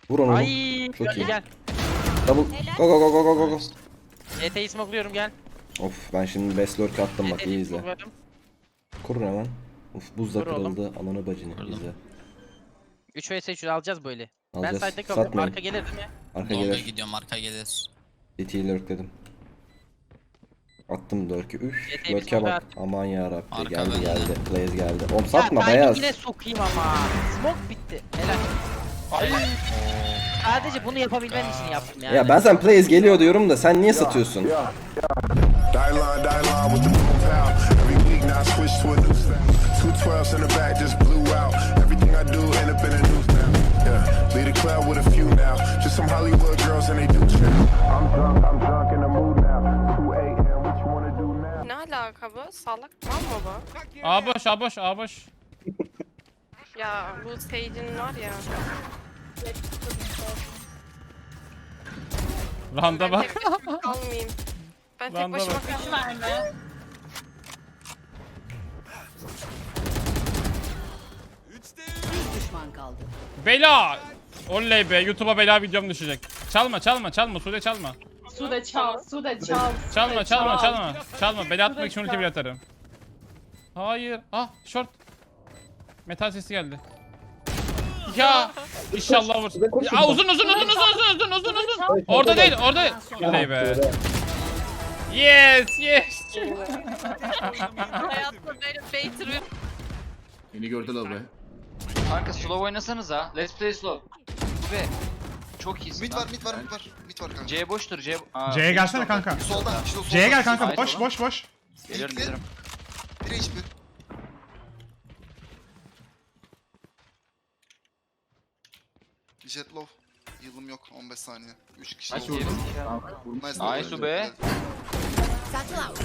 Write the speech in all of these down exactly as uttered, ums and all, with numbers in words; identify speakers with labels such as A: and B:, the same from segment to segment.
A: Vur onu.
B: Ay
A: Çok iyi.
B: gel.
A: Double. Go go go go go go go.
B: E T'yi smokluyorum gel.
A: Of ben şimdi best lurk attım bak, iyi
B: E T'yi
A: izle.
B: smokluyorum.
A: Kurun hemen. Uf buz da
B: Kur oğlum.
A: kırıldı. Ananı bacını
C: Kırdım.
A: izle.
B: üç vs üç alacağız böyle. Ben
A: Alacağız.
B: side'de kalıyorum.
A: Satmayın.
B: Arka gelir değil mi?
A: Arka
C: Longa
A: gelir.
C: gidiyorum, arka gelir.
A: City'yi lurkledim. Attım lurk'ü. Üf.
B: Yeteği bir
A: Lurk'e
B: smoke
A: bak. Aman yarabbi.
C: Arka
A: Geldi
C: bende.
A: geldi. Blaze geldi. Oğlum satma
B: ya,
A: beyaz.
B: yine sokayım ama. Smoke bitti. Helal. Helal. Sadece bunu yapabilmen için yaptım yani.
A: Ya ben sen Blaze geliyor diyorum da sen niye satıyorsun?
D: Die line, die line with the boom pow. Every week now I switch to a new style. Two twelves in the back just blew out. Everything I do end up in a news now. Yeah, lead a club with a few now. Just some Hollywood girls and they do chill. I'm drunk, I'm drunk in the mood now. two A M, what you wanna do now?
E: Ne alaka bu? Salak mal mı bu?
F: A boş, A boş, A boş.
E: Ya bu Sage'in var ya.
F: Randa
E: Ben
F: bak.
E: tek başıma kalmayayım. Ben tek
F: Randa
E: başıma
F: bak.
E: kalmayayım.
G: Bir düşman kaldı.
F: Bela! Oley be, YouTube'a bela videom düşecek. Çalma, çalma, çalma, Sude çalma.
H: Sude çal, Sude çal.
F: Çalma,
H: Sude
F: çalma,
H: çal.
F: çalma. Çalma, bela atmak için ulti bir atarım. Hayır. Ah, short. Metal sesi geldi. Ya inşallah vur. Ya uzun uzun uzun uzun uzun uzun uzun uzun. Orada değil, orada. Oley be. Yes, yes.
E: Hayatımda böyle baiter bir
I: Beni gördüler be.
J: Kanka slow oynasanız ha. Let's play slow. Be. Çok iyisin.
I: Mid
J: lan.
I: var, mid var, mid var. Mid var kanka.
J: C boştur C. Aa,
F: C'ye gelsene kanka.
I: Soldan, işte o soldan.
F: C'ye gel kanka.
J: Nice
F: Boş
J: oğlum.
F: boş boş.
J: Geliyorum
I: Bitti.
J: gelirim.
I: Bir H P. Jet low. Yılım yok, on beş saniye. üç kişi
J: Nice
I: oldu.
J: vurdum.
I: Nice,
J: Nice be.
G: Satchel out.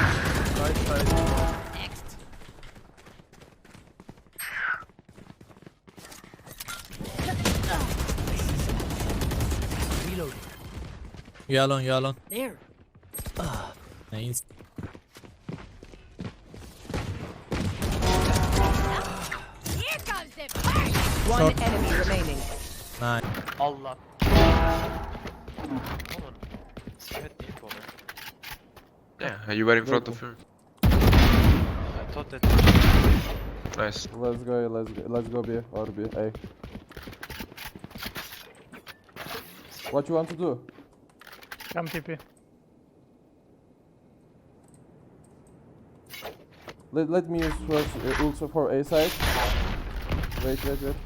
G: Next.
C: Yalon, yalon.
G: There.
C: Nice.
G: Here comes the first. One enemy remaining.
C: Nice.
B: Allah. Olur. Evet ilk olur.
K: Yeah, you were in front of her.
B: I thought that.
K: Nice.
L: Let's go, let's go, let's go B or B. A. What you want to do?
F: Come T P.
L: Let, let me use first uh, ult for A side. Wait, wait, wait.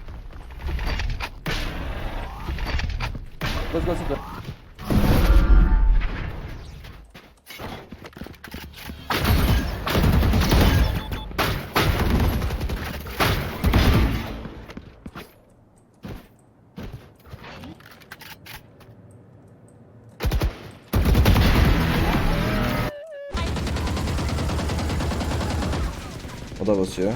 L: Let's go to
A: O da basıyor.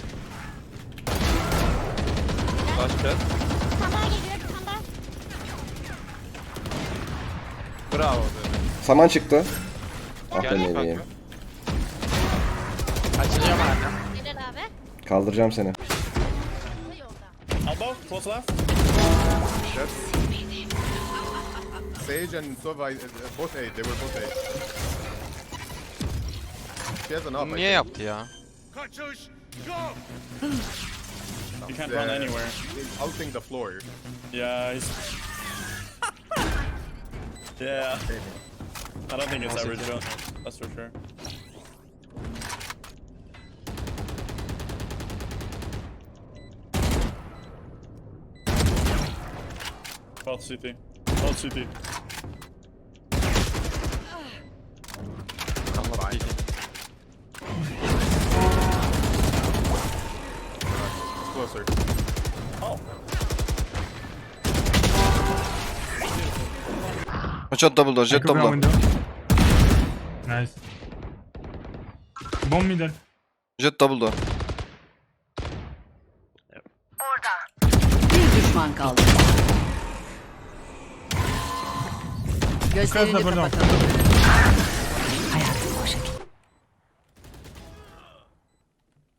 B: Bravo.
A: Saman çıktı. Ah be
B: Geldi
A: meleğim.
B: Açılıyor bana.
G: Helal abi.
A: Kaldıracağım seni.
G: Bu yolda.
D: Above, close left. Sage and Sova, uh, both A, they were both A. She has an up, I
K: Niye
D: think.
K: yaptı ya?
D: You can't run anywhere. Outing the floor.
L: Yeah, he's... yeah. I don't think it's average jump. That's for sure. Both C T. Both C T.
K: Allah bildi.
D: Closer.
I: Jet double door, jet double door.
F: Nice. Bomb middle.
I: Jet double door.
G: Bir düşman kaldı. Gözlerini
F: burada.
G: kapatalım. Hayatım boşa gitti.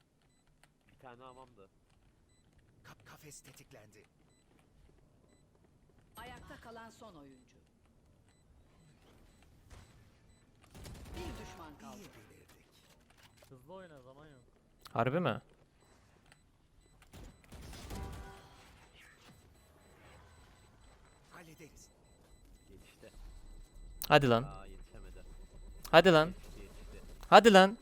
B: Bir tane hamamdı.
D: Kafes tetiklendi.
G: kalan son oyuncu. Bir düşman kaldı.
C: Hızlı oyna, zaman yok.
L: Harbi mi? Hadi lan. Hadi lan. Hadi lan.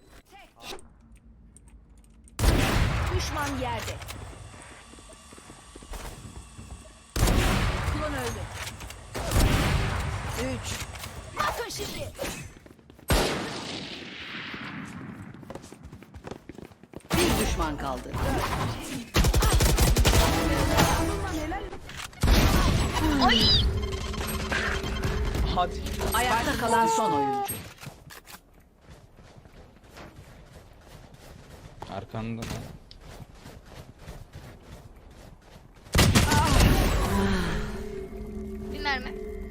G: Düşman yerde. Klon öldü. Üç. Bakın şimdi. Bir düşman kaldı. Ay. Hadi. Ayakta kalan son oyuncu.
J: Arkanda.
E: Bir mermi.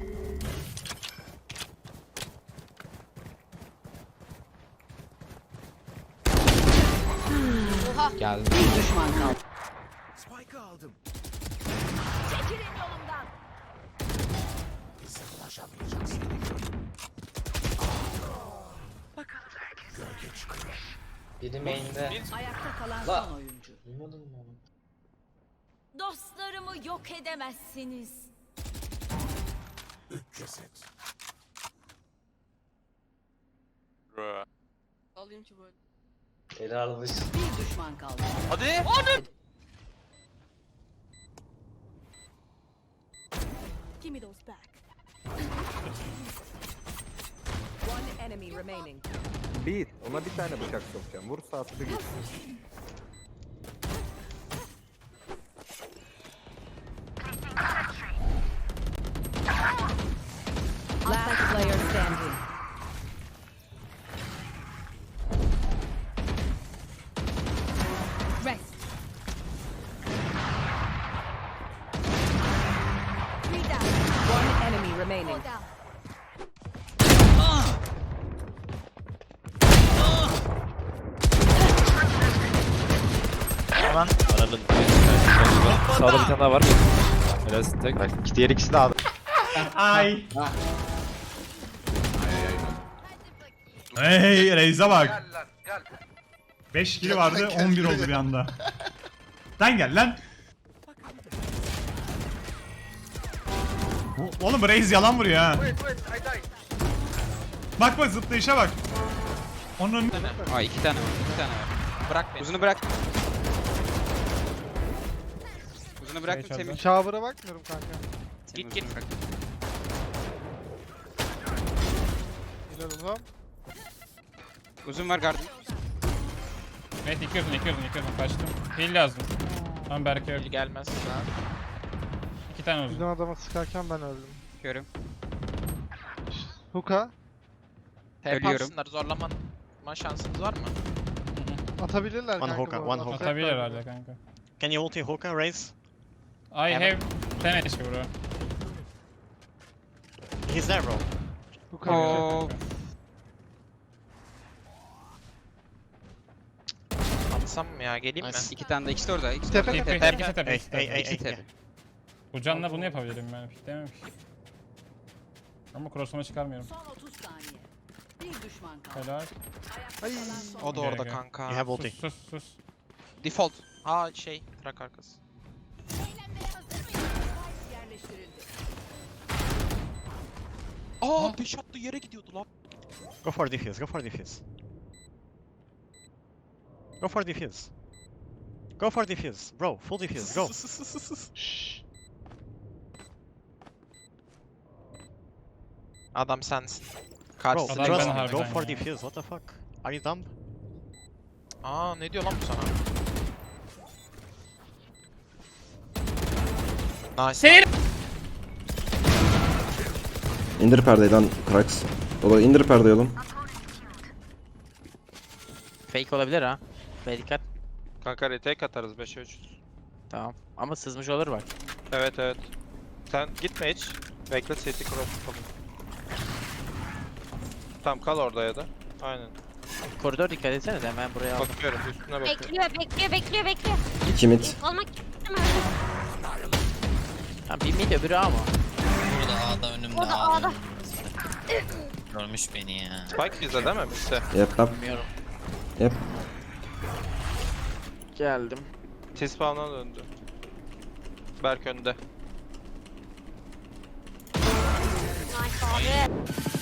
E: Oha.
J: Geldi.
G: Bir düşman kaldı.
D: Spike'ı aldım.
G: Çekilin yolumdan.
J: Biri main'de.
G: Ayakta kalan son oyuncu.
J: Duymadın mı onu?
G: Dostlarımı yok edemezsiniz.
E: Alayım ki böyle.
J: Eli almış.
G: Bir düşman kaldı.
J: Hadi.
G: Give me those back. One enemy remaining.
L: Bir. Ona bir tane bıçak sokacağım. Vur saati bir gitsin.
G: Last player standing. Rest. Three down. One enemy remaining.
C: Aman.
L: Sağda bir tane daha var.
C: Biraz tek.
L: Diğer ikisi de aldı.
F: Ay.
K: Hey Reis'e bak. beş kili vardı, on bir oldu bir anda. Lan gel lan. O- Oğlum Reis yalan vuruyor ha. Bak bak zıplayışa bak. Onun
J: Aa iki tane. iki tane. Bırak beni. Uzunu bırak. Uzunu bıraktım Semih.
L: Shower'a bakmıyorum kanka.
J: Git git.
L: İnanılmam.
J: Uzun var gardım.
F: Evet yıkıyordun yıkıyordun yıkıyordun kaçtım. Heal lazım. Tamam Berke yok.
J: Gelmez.
F: İki tane uzun.
L: adama sıkarken ben öldüm.
J: Görüm.
L: Hook'a
J: Ölüyorum.
C: Zorlaman şansınız var mı?
L: atabilirler
K: One hookah, one hookah.
F: Atabilir herhalde kanka.
K: Can you ulti hookah Reis?
F: I have ten H P bro.
K: He's there bro.
J: Oo.
C: Atsam mı ya, geleyim
J: Nice. İki tane de ikisi de orada. İkisi de
L: Tepe,
J: orada.
F: Tepe,
J: Tepe.
F: ikisi tepe,
K: Hey
F: ikisi
K: hey
F: tepe.
K: hey
J: İkisi
K: hey.
J: tepe.
F: Bu canla bunu yapabilirim ben. Dememiş. Ama cross'uma çıkarmıyorum.
G: Son otuz saniye. Bir düşman kaldı.
F: Helal.
G: Ayakta kalan son
C: O da
F: Gel,
C: orada
F: gel.
C: kanka.
K: You have ulti.
F: Sus sus sus.
C: Default. Ha şey, trak arkası.
G: yerleştirildi.
C: Aa, beş attı yere gidiyordu lan.
K: Go for defuse, go for defuse. Go for defuse. Go for defuse. Bro, full defuse, go.
C: Adam sensin.
K: Bro,
C: Karşısı
F: Adam
K: trust
F: ben
K: me,
F: harbiden
K: go for
F: ya.
K: defuse, what the fuck? Are you dumb?
C: Aa, ne diyor lan bu sana? Nice.
F: Seyir.
A: İndir perdeyi lan Krax. Baba indir perdeyi oğlum.
C: Fake olabilir ha. Ve dikkat.
J: Kanka retake atarız beşe üç.
C: Tamam. Ama sızmış olur bak.
J: Evet evet. Sen gitme hiç. Bekle seti cross yapalım. Tamam kal orada ya da. Aynen.
C: Koridor dikkat etsene de hemen buraya aldım.
J: Bakıyorum üstüne bakıyorum.
E: Bekliyor, bekliyor, bekliyor, bekliyor.
A: İki mid.
E: Olmak istemem.
C: Ha, bir mid öbürü ama. A'da önümde
E: Orada
C: A'da.
E: A'da.
C: Görmüş beni ya.
M: Spike bizde değil mi? Bizde.
A: Yep, yep.
C: Bilmiyorum.
A: Yep.
C: Geldim.
M: T-spawn'a döndü. Berk önde.
E: Nice abi.